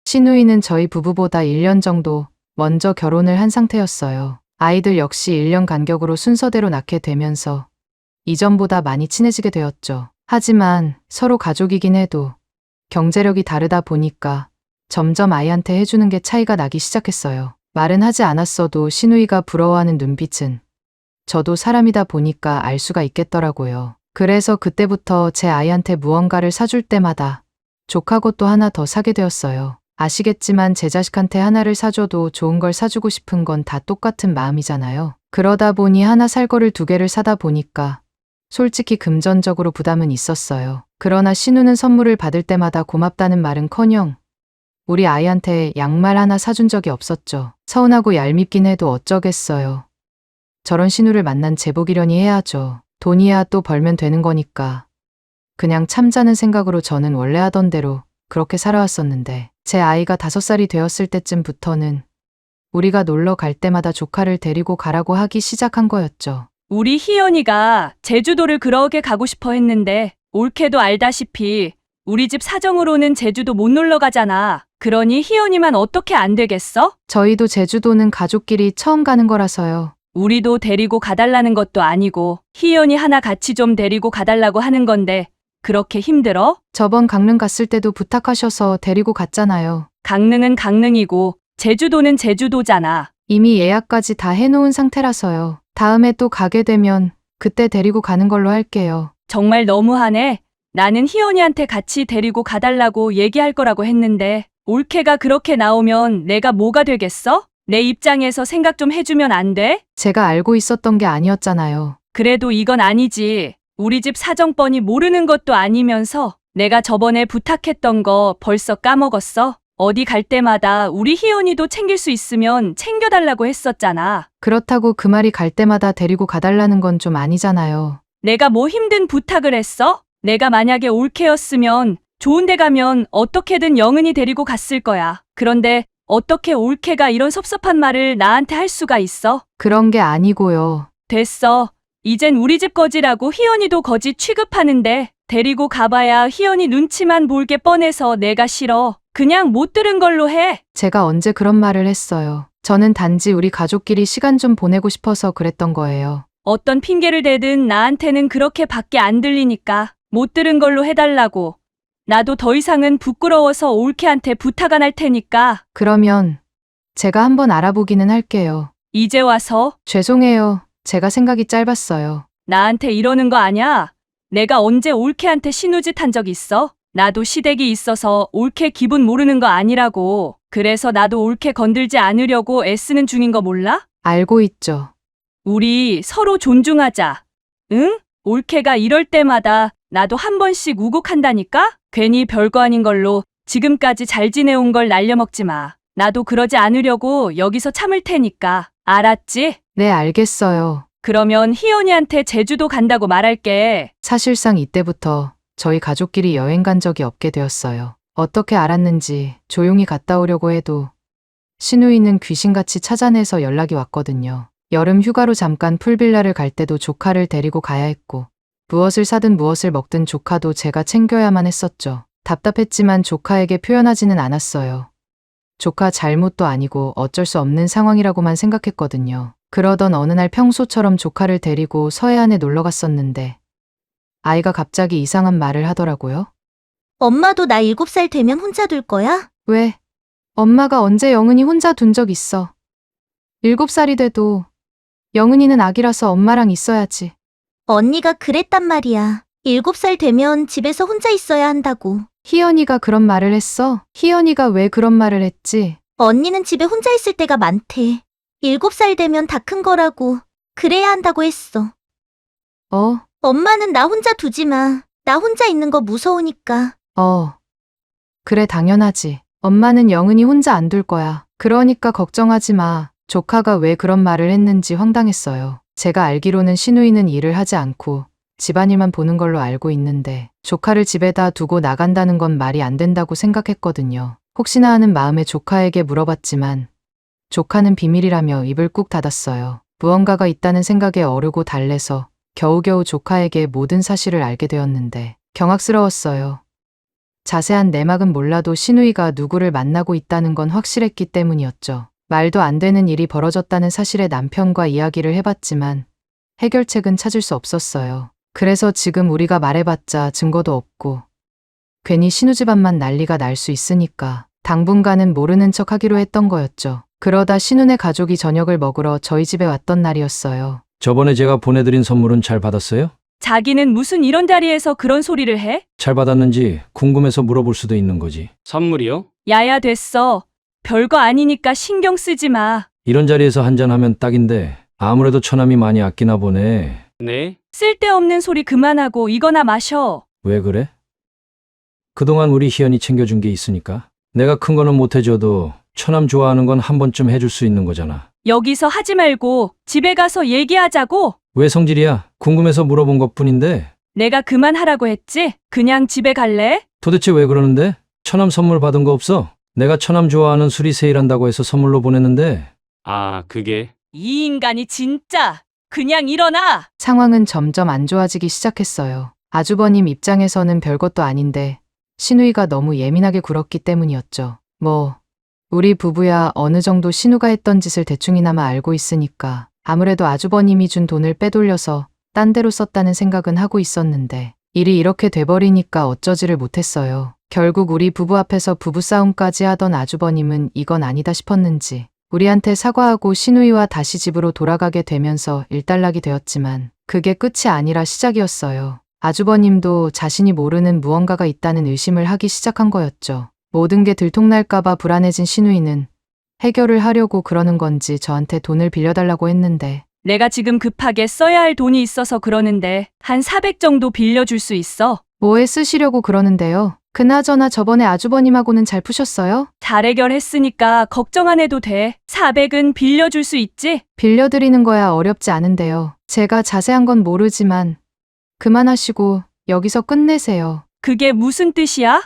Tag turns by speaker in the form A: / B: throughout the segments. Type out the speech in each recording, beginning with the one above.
A: 신우이는 저희 부부보다 1년 정도 먼저 결혼을 한 상태였어요. 아이들 역시 1년 간격으로 순서대로 낳게 되면서 이전보다 많이 친해지게 되었죠. 하지만 서로 가족이긴 해도 경제력이 다르다 보니까 점점 아이한테 해주는 게 차이가 나기 시작했어요. 말은 하지 않았어도 신우이가 부러워하는 눈빛은 저도 사람이다 보니까 알 수가 있겠더라고요. 그래서 그때부터 제 아이한테 무언가를 사줄 때마다 조카 것도 하나 더 사게 되었어요. 아시겠지만 제 자식한테 하나를 사줘도 좋은 걸 사주고 싶은 건 다 똑같은 마음이잖아요. 그러다 보니 하나 살 거를 2개를 사다 보니까 솔직히 금전적으로 부담은 있었어요. 그러나 신우는 선물을 받을 때마다 고맙다는 말은커녕 우리 아이한테 양말 하나 사준 적이 없었죠. 서운하고 얄밉긴 해도 어쩌겠어요. 저런 신우를 만난 제복이려니 해야죠. 돈이야 또 벌면 되는 거니까. 그냥 참자는 생각으로 저는 원래 하던 대로 그렇게 살아왔었는데 제 아이가 5살이 되었을 때쯤부터는 우리가 놀러 갈 때마다 조카를 데리고 가라고 하기 시작한 거였죠.
B: 우리 희연이가 제주도를 그러게 가고 싶어 했는데 올케도 알다시피 우리 집 사정으로는 제주도 못 놀러 가잖아. 그러니 희연이만 어떻게 안 되겠어?
A: 저희도 제주도는 가족끼리 처음 가는 거라서요.
B: 우리도 데리고 가달라는 것도 아니고 희연이 하나 같이 좀 데리고 가달라고 하는 건데 그렇게 힘들어?
A: 저번 강릉 갔을 때도 부탁하셔서 데리고 갔잖아요.
B: 강릉은 강릉이고 제주도는 제주도잖아.
A: 이미 예약까지 다 해놓은 상태라서요. 다음에 또 가게 되면 그때 데리고 가는 걸로 할게요.
B: 정말 너무하네. 나는 희연이한테 같이 데리고 가달라고 얘기할 거라고 했는데 올케가 그렇게 나오면 내가 뭐가 되겠어? 내 입장에서 생각 좀 해주면 안 돼?
A: 제가 알고 있었던 게 아니었잖아요.
B: 그래도 이건 아니지. 우리 집 사정 뻔히 모르는 것도 아니면서 내가 저번에 부탁했던 거 벌써 까먹었어? 어디 갈 때마다 우리 희연이도 챙길 수 있으면 챙겨달라고 했었잖아.
A: 그렇다고 그 말이 갈 때마다 데리고 가달라는 건 좀 아니잖아요.
B: 내가 뭐 힘든 부탁을 했어? 내가 만약에 올케였으면 좋은 데 가면 어떻게든 영은이 데리고 갔을 거야. 그런데 어떻게 올케가 이런 섭섭한 말을 나한테 할 수가 있어?
A: 그런 게 아니고요.
B: 됐어. 이젠 우리 집 거지라고 희연이도 거지 취급하는데 데리고 가봐야 희연이 눈치만 볼 게 뻔해서 내가 싫어. 그냥 못 들은 걸로 해.
A: 제가 언제 그런 말을 했어요. 저는 단지 우리 가족끼리 시간 좀 보내고 싶어서 그랬던 거예요.
B: 어떤 핑계를 대든 나한테는 그렇게 밖에 안 들리니까 못 들은 걸로 해달라고. 나도 더 이상은 부끄러워서 올케한테 부탁 안 할 테니까.
A: 그러면 제가 한번 알아보기는 할게요.
B: 이제 와서
A: 죄송해요. 제가 생각이 짧았어요.
B: 나한테 이러는 거 아냐? 내가 언제 올케한테 신우짓 한 적 있어? 나도 시댁이 있어서 올케 기분 모르는 거 아니라고. 그래서 나도 올케 건들지 않으려고 애쓰는 중인 거 몰라?
A: 알고 있죠.
B: 우리 서로 존중하자. 응? 올케가 이럴 때마다 나도 한 번씩 우곡한다니까? 괜히 별거 아닌 걸로 지금까지 잘 지내온 걸 날려먹지 마. 나도 그러지 않으려고 여기서 참을 테니까. 알았지?
A: 네, 알겠어요.
B: 그러면 희연이한테 제주도 간다고 말할게.
A: 사실상 이때부터 저희 가족끼리 여행 간 적이 없게 되었어요. 어떻게 알았는지 조용히 갔다 오려고 해도 신우이는 귀신같이 찾아내서 연락이 왔거든요. 여름 휴가로 잠깐 풀빌라를 갈 때도 조카를 데리고 가야 했고 무엇을 사든 무엇을 먹든 조카도 제가 챙겨야만 했었죠. 답답했지만 조카에게 표현하지는 않았어요. 조카 잘못도 아니고 어쩔 수 없는 상황이라고만 생각했거든요. 그러던 어느 날 평소처럼 조카를 데리고 서해안에 놀러 갔었는데 아이가 갑자기 이상한 말을 하더라고요.
C: 엄마도 나 7살 되면 혼자 둘 거야?
A: 왜? 엄마가 언제 영은이 혼자 둔 적 있어. 7살이 돼도 영은이는 아기라서 엄마랑 있어야지.
C: 언니가 그랬단 말이야. 7살 되면 집에서 혼자 있어야 한다고.
A: 희연이가 그런 말을 했어? 희연이가 왜 그런 말을 했지?
C: 언니는 집에 혼자 있을 때가 많대. 7살 되면 다 큰 거라고. 그래야 한다고 했어. 엄마는 나 혼자 두지 마. 나 혼자 있는 거 무서우니까.
A: 그래 당연하지. 엄마는 영은이 혼자 안 둘 거야. 그러니까 걱정하지 마. 조카가 왜 그런 말을 했는지 황당했어요. 제가 알기로는 신우이는 일을 하지 않고 집안일만 보는 걸로 알고 있는데 조카를 집에다 두고 나간다는 건 말이 안 된다고 생각했거든요. 혹시나 하는 마음에 조카에게 물어봤지만 조카는 비밀이라며 입을 꾹 닫았어요. 무언가가 있다는 생각에 어르고 달래서 겨우겨우 조카에게 모든 사실을 알게 되었는데 경악스러웠어요. 자세한 내막은 몰라도 신우이가 누구를 만나고 있다는 건 확실했기 때문이었죠. 말도 안 되는 일이 벌어졌다는 사실에 남편과 이야기를 해봤지만 해결책은 찾을 수 없었어요. 그래서 지금 우리가 말해봤자 증거도 없고 괜히 신우 집안만 난리가 날 수 있으니까 당분간은 모르는 척 하기로 했던 거였죠. 그러다 신우네 가족이 저녁을 먹으러 저희 집에 왔던 날이었어요.
D: 저번에 제가 보내드린 선물은 잘 받았어요?
B: 자기는 무슨 이런 자리에서 그런 소리를 해?
D: 잘 받았는지 궁금해서 물어볼 수도 있는 거지.
E: 선물이요?
B: 야야 됐어. 별거 아니니까 신경 쓰지 마.
D: 이런 자리에서 한잔하면 딱인데 아무래도 처남이 많이 아끼나 보네.
E: 네?
B: 쓸데없는 소리 그만하고 이거나 마셔.
D: 왜 그래? 그동안 우리 희연이 챙겨준 게 있으니까. 내가 큰 거는 못 해줘도 처남 좋아하는 건 한 번쯤 해줄 수 있는 거잖아.
B: 여기서 하지 말고 집에 가서 얘기하자고.
D: 왜 성질이야? 궁금해서 물어본 것뿐인데.
B: 내가 그만하라고 했지? 그냥 집에 갈래?
D: 도대체 왜 그러는데? 처남 선물 받은 거 없어? 내가 처남 좋아하는 술이 세일한다고 해서 선물로 보냈는데.
E: 아, 그게.
B: 이 인간이 진짜. 그냥 일어나.
A: 상황은 점점 안 좋아지기 시작했어요. 아주버님 입장에서는 별것도 아닌데 신우이가 너무 예민하게 굴었기 때문이었죠. 우리 부부야 어느 정도 신우가 했던 짓을 대충이나마 알고 있으니까 아무래도 아주버님이 준 돈을 빼돌려서 딴 데로 썼다는 생각은 하고 있었는데 일이 이렇게 돼버리니까 어쩌지를 못했어요. 결국 우리 부부 앞에서 부부싸움까지 하던 아주버님은 이건 아니다 싶었는지 우리한테 사과하고 신우이와 다시 집으로 돌아가게 되면서 일단락이 되었지만 그게 끝이 아니라 시작이었어요. 아주버님도 자신이 모르는 무언가가 있다는 의심을 하기 시작한 거였죠. 모든 게 들통날까봐 불안해진 신우이는 해결을 하려고 그러는 건지 저한테 돈을 빌려달라고 했는데
B: 내가 지금 급하게 써야 할 돈이 있어서 그러는데 한 400 정도 빌려줄 수 있어?
A: 뭐에 쓰시려고 그러는데요? 그나저나 저번에 아주버님하고는 잘 푸셨어요?
B: 잘 해결했으니까 걱정 안 해도 돼. 400은 빌려줄 수 있지?
A: 빌려드리는 거야 어렵지 않은데요. 제가 자세한 건 모르지만 그만하시고 여기서 끝내세요.
B: 그게 무슨 뜻이야?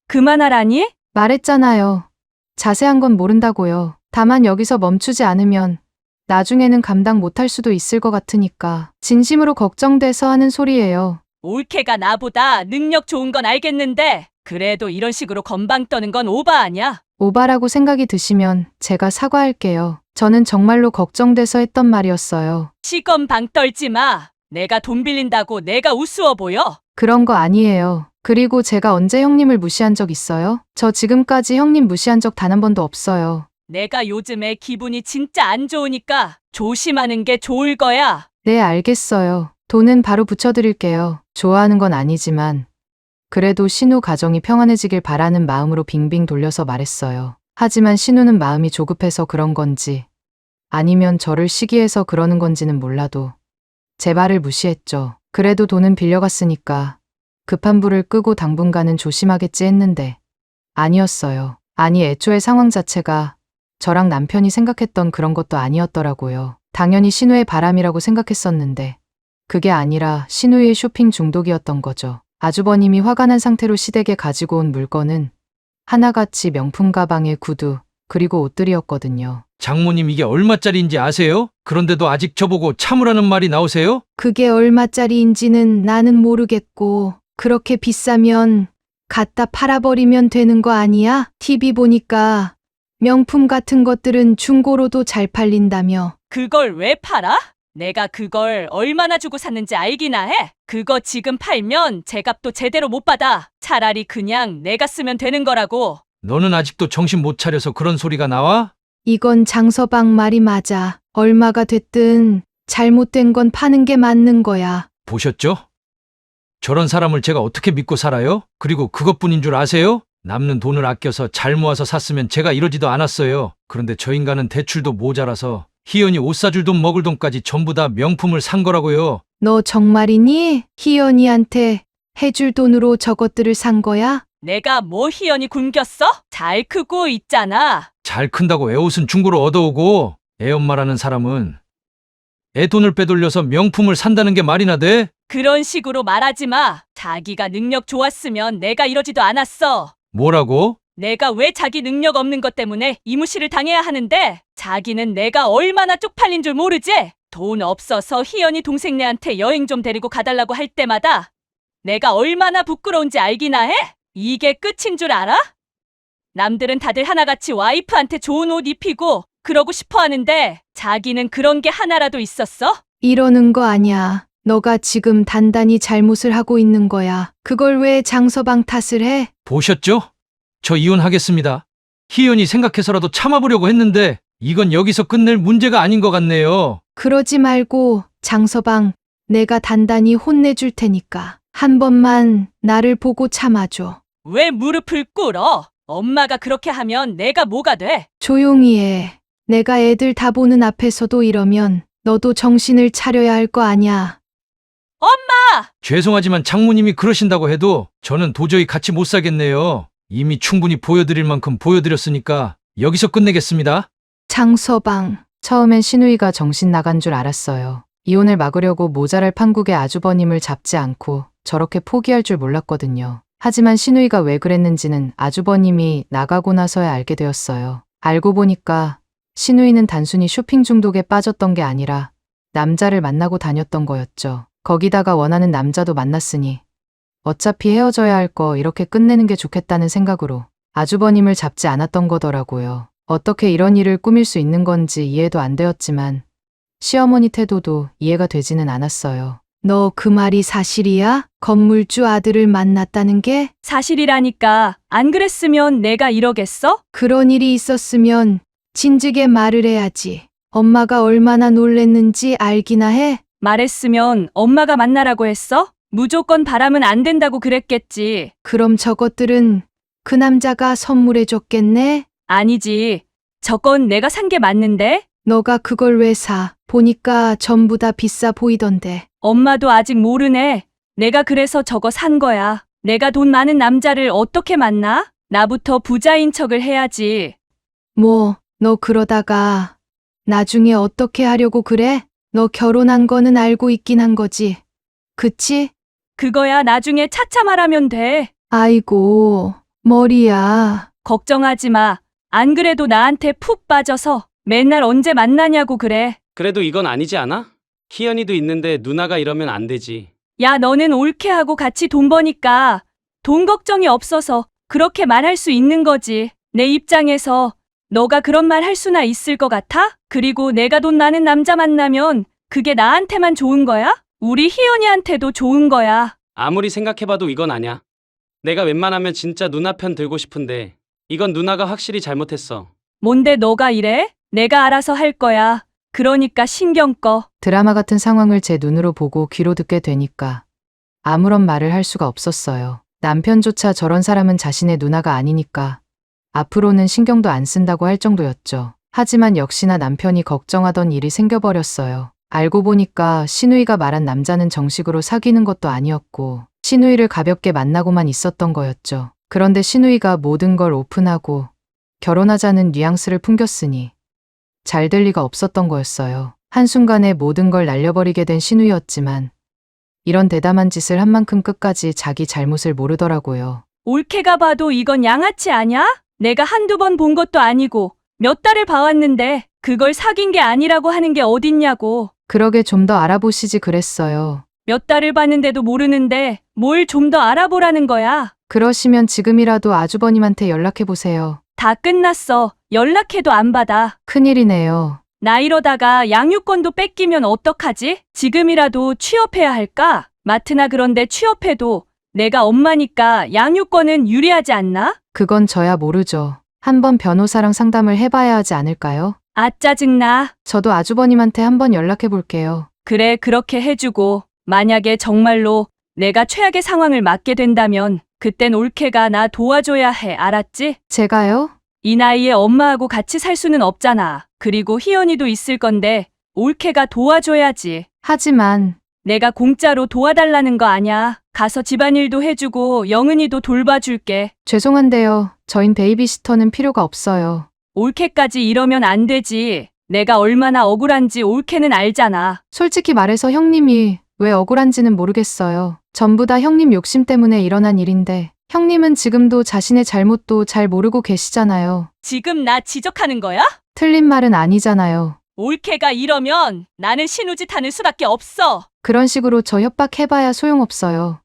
B: 그만하라니?
A: 말했잖아요. 자세한 건 모른다고요. 다만 여기서 멈추지 않으면 나중에는 감당 못할 수도 있을 것 같으니까 진심으로 걱정돼서 하는 소리예요.
B: 올케가 나보다 능력 좋은 건 알겠는데 그래도 이런 식으로 건방 떠는 건 오바 아냐?
A: 오바라고 생각이 드시면 제가 사과할게요. 저는 정말로 걱정돼서 했던 말이었어요.
B: 시건방 떨지 마. 내가 돈 빌린다고 내가 우스워 보여?
A: 그런 거 아니에요. 그리고 제가 언제 형님을 무시한 적 있어요? 저 지금까지 형님 무시한 적 단 한 번도 없어요.
B: 내가 요즘에 기분이 진짜 안 좋으니까 조심하는 게 좋을 거야.
A: 네, 알겠어요. 돈은 바로 붙여드릴게요. 좋아하는 건 아니지만 그래도 신우 가정이 평안해지길 바라는 마음으로 빙빙 돌려서 말했어요. 하지만 신우는 마음이 조급해서 그런 건지 아니면 저를 시기해서 그러는 건지는 몰라도 제 말을 무시했죠. 그래도 돈은 빌려갔으니까 급한 불을 끄고 당분간은 조심하겠지 했는데 아니었어요. 아니 애초에 상황 자체가 저랑 남편이 생각했던 그런 것도 아니었더라고요. 당연히 신우의 바람이라고 생각했었는데 그게 아니라 신우의 쇼핑 중독이었던 거죠. 아주버님이 화가 난 상태로 시댁에 가지고 온 물건은 하나같이 명품 가방에 구두 그리고 옷들이었거든요.
D: 장모님 이게 얼마짜리인지 아세요? 그런데도 아직 저보고 참으라는 말이 나오세요?
A: 그게 얼마짜리인지는 나는 모르겠고 그렇게 비싸면 갖다 팔아버리면 되는 거 아니야? TV 보니까 명품 같은 것들은 중고로도 잘 팔린다며.
B: 그걸 왜 팔아? 내가 그걸 얼마나 주고 샀는지 알기나 해? 그거 지금 팔면 제값도 제대로 못 받아. 차라리 그냥 내가 쓰면 되는 거라고.
D: 너는 아직도 정신 못 차려서 그런 소리가 나와?
A: 이건 장서방 말이 맞아. 얼마가 됐든 잘못된 건 파는 게 맞는 거야.
D: 보셨죠? 저런 사람을 제가 어떻게 믿고 살아요? 그리고 그것뿐인 줄 아세요? 남는 돈을 아껴서 잘 모아서 샀으면 제가 이러지도 않았어요. 그런데 저 인간은 대출도 모자라서 희연이 옷 사줄 돈 먹을 돈까지 전부 다 명품을 산 거라고요.
A: 너 정말이니? 희연이한테 해줄 돈으로 저것들을 산 거야?
B: 내가 뭐 희연이 굶겼어? 잘 크고 있잖아.
D: 잘 큰다고 애 옷은 중고로 얻어오고 애 엄마라는 사람은 애 돈을 빼돌려서 명품을 산다는 게 말이나 돼?
B: 그런 식으로 말하지 마. 자기가 능력 좋았으면 내가 이러지도 않았어.
D: 뭐라고?
B: 내가 왜 자기 능력 없는 것 때문에 이무시를 당해야 하는데 자기는 내가 얼마나 쪽팔린 줄 모르지? 돈 없어서 희연이 동생네한테 여행 좀 데리고 가달라고 할 때마다 내가 얼마나 부끄러운지 알기나 해? 이게 끝인 줄 알아? 남들은 다들 하나같이 와이프한테 좋은 옷 입히고 그러고 싶어 하는데 자기는 그런 게 하나라도 있었어?
A: 이러는 거 아니야. 너가 지금 단단히 잘못을 하고 있는 거야. 그걸 왜 장서방 탓을 해?
D: 보셨죠? 저 이혼하겠습니다. 희연이 생각해서라도 참아보려고 했는데 이건 여기서 끝낼 문제가 아닌 것 같네요.
A: 그러지 말고 장서방, 내가 단단히 혼내줄 테니까 한 번만 나를 보고 참아줘.
B: 왜 무릎을 꿇어? 엄마가 그렇게 하면 내가 뭐가 돼?
A: 조용히 해. 내가 애들 다 보는 앞에서도 이러면 너도 정신을 차려야 할 거 아냐.
D: 죄송하지만 장모님이 그러신다고 해도 저는 도저히 같이 못 살겠네요. 이미 충분히 보여드릴 만큼 보여드렸으니까 여기서 끝내겠습니다.
A: 장서방. 처음엔 신우이가 정신 나간 줄 알았어요. 이혼을 막으려고 모자랄 판국의 아주버님을 잡지 않고 저렇게 포기할 줄 몰랐거든요. 하지만 신우이가 왜 그랬는지는 아주버님이 나가고 나서야 알게 되었어요. 알고 보니까 신우이는 단순히 쇼핑 중독에 빠졌던 게 아니라 남자를 만나고 다녔던 거였죠. 거기다가 원하는 남자도 만났으니 어차피 헤어져야 할 거 이렇게 끝내는 게 좋겠다는 생각으로 아주버님을 잡지 않았던 거더라고요. 어떻게 이런 일을 꾸밀 수 있는 건지 이해도 안 되었지만 시어머니 태도도 이해가 되지는 않았어요. 너 그 말이 사실이야? 건물주 아들을 만났다는 게?
B: 사실이라니까. 안 그랬으면 내가 이러겠어?
A: 그런 일이 있었으면 진즉에 말을 해야지. 엄마가 얼마나 놀랬는지 알기나 해?
B: 말했으면 엄마가 만나라고 했어? 무조건 바라면 안 된다고 그랬겠지.
A: 그럼 저것들은 그 남자가 선물해 줬겠네?
B: 아니지. 저건 내가 산 게 맞는데?
A: 너가 그걸 왜 사? 보니까 전부 다 비싸 보이던데.
B: 엄마도 아직 모르네. 내가 그래서 저거 산 거야. 내가 돈 많은 남자를 어떻게 만나? 나부터 부자인 척을 해야지.
A: 뭐, 너 그러다가 나중에 어떻게 하려고 그래? 너 결혼한 거는 알고 있긴 한 거지. 그치?
B: 그거야 나중에 차차 말하면 돼.
A: 아이고, 머리야.
B: 걱정하지 마. 안 그래도 나한테 푹 빠져서 맨날 언제 만나냐고 그래.
E: 그래도 이건 아니지 않아? 희연이도 있는데 누나가 이러면 안 되지.
B: 야, 너는 옳게 하고 같이 돈 버니까 돈 걱정이 없어서 그렇게 말할 수 있는 거지. 내 입장에서 너가 그런 말 할 수나 있을 것 같아? 그리고 내가 돈 많은 남자 만나면 그게 나한테만 좋은 거야? 우리 희연이한테도 좋은 거야.
E: 아무리 생각해봐도 이건 아냐. 내가 웬만하면 진짜 누나 편 들고 싶은데 이건 누나가 확실히 잘못했어.
B: 뭔데 너가 이래? 내가 알아서 할 거야. 그러니까 신경 꺼.
A: 드라마 같은 상황을 제 눈으로 보고 귀로 듣게 되니까 아무런 말을 할 수가 없었어요. 남편조차 저런 사람은 자신의 누나가 아니니까 앞으로는 신경도 안 쓴다고 할 정도였죠. 하지만 역시나 남편이 걱정하던 일이 생겨버렸어요. 알고 보니까 신우이가 말한 남자는 정식으로 사귀는 것도 아니었고 신우이를 가볍게 만나고만 있었던 거였죠. 그런데 신우이가 모든 걸 오픈하고 결혼하자는 뉘앙스를 풍겼으니 잘 될 리가 없었던 거였어요. 한순간에 모든 걸 날려버리게 된 신우이였지만 이런 대담한 짓을 한 만큼 끝까지 자기 잘못을 모르더라고요.
B: 올케가 봐도 이건 양아치 아냐? 내가 한두 번 본 것도 아니고 몇 달을 봐왔는데 그걸 사귄 게 아니라고 하는 게 어딨냐고.
A: 그러게 좀 더 알아보시지 그랬어요.
B: 몇 달을 봤는데도 모르는데 뭘 좀 더 알아보라는 거야.
A: 그러시면 지금이라도 아주버님한테 연락해보세요.
B: 다 끝났어. 연락해도 안 받아.
A: 큰일이네요.
B: 나 이러다가 양육권도 뺏기면 어떡하지? 지금이라도 취업해야 할까? 마트나 그런데 취업해도 내가 엄마니까 양육권은 유리하지 않나?
A: 그건 저야 모르죠. 한번 변호사랑 상담을 해봐야 하지 않을까요?
B: 아, 짜증나.
A: 저도 아주버님한테 한번 연락해볼게요.
B: 그래, 그렇게 해주고 만약에 정말로 내가 최악의 상황을 맞게 된다면 그땐 올케가 나 도와줘야 해. 알았지?
A: 제가요?
B: 이 나이에 엄마하고 같이 살 수는 없잖아. 그리고 희연이도 있을 건데 올케가 도와줘야지.
A: 하지만
B: 내가 공짜로 도와달라는 거 아냐. 가서 집안일도 해주고 영은이도 돌봐줄게.
A: 죄송한데요. 저흰 베이비시터는 필요가 없어요.
B: 올케까지 이러면 안 되지. 내가 얼마나 억울한지 올케는 알잖아.
A: 솔직히 말해서 형님이 왜 억울한지는 모르겠어요. 전부 다 형님 욕심 때문에 일어난 일인데 형님은 지금도 자신의 잘못도 잘 모르고 계시잖아요.
B: 지금 나 지적하는 거야?
A: 틀린 말은 아니잖아요.
B: 올케가 이러면 나는 신우짓 하는 수밖에 없어.
A: 그런 식으로 저 협박해봐야 소용없어요.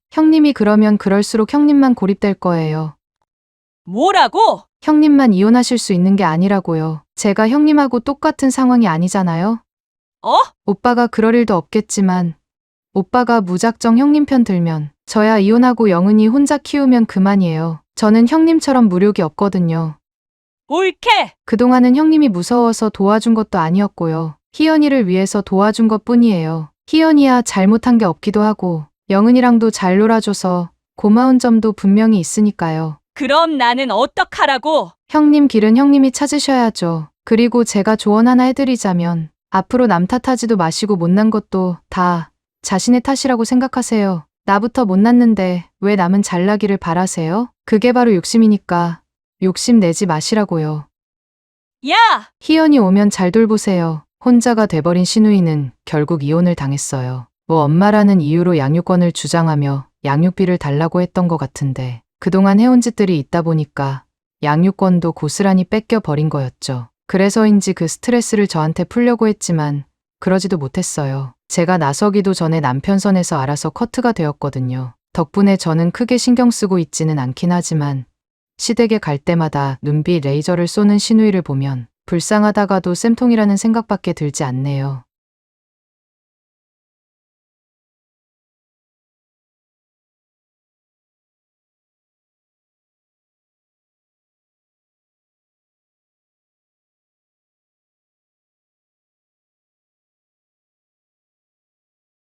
A: 형님이 그러면 그럴수록 형님만 고립될 거예요.
B: 뭐라고?
A: 형님만 이혼하실 수 있는 게 아니라고요. 제가 형님하고 똑같은 상황이 아니잖아요?
B: 어?
A: 오빠가 그럴 일도 없겠지만 오빠가 무작정 형님 편 들면 저야 이혼하고 영은이 혼자 키우면 그만이에요. 저는 형님처럼 무력이 없거든요.
B: 옳게!
A: 그동안은 형님이 무서워서 도와준 것도 아니었고요. 희연이를 위해서 도와준 것 뿐이에요. 희연이야 잘못한 게 없기도 하고 영은이랑도 잘 놀아줘서 고마운 점도 분명히 있으니까요.
B: 그럼 나는 어떡하라고?
A: 형님 길은 형님이 찾으셔야죠. 그리고 제가 조언 하나 해드리자면 앞으로 남 탓하지도 마시고 못난 것도 다 자신의 탓이라고 생각하세요. 나부터 못났는데 왜 남은 잘나기를 바라세요? 그게 바로 욕심이니까 욕심 내지 마시라고요.
B: 야!
A: 희연이 오면 잘 돌보세요. 혼자가 돼버린 신우이는 결국 이혼을 당했어요. 뭐 엄마라는 이유로 양육권을 주장하며 양육비를 달라고 했던 것 같은데 그동안 해온 짓들이 있다 보니까 양육권도 고스란히 뺏겨버린 거였죠. 그래서인지 그 스트레스를 저한테 풀려고 했지만 그러지도 못했어요. 제가 나서기도 전에 남편 선에서 알아서 커트가 되었거든요. 덕분에 저는 크게 신경 쓰고 있지는 않긴 하지만 시댁에 갈 때마다 눈빛 레이저를 쏘는 신우이를 보면 불쌍하다가도 쌤통이라는 생각밖에 들지 않네요.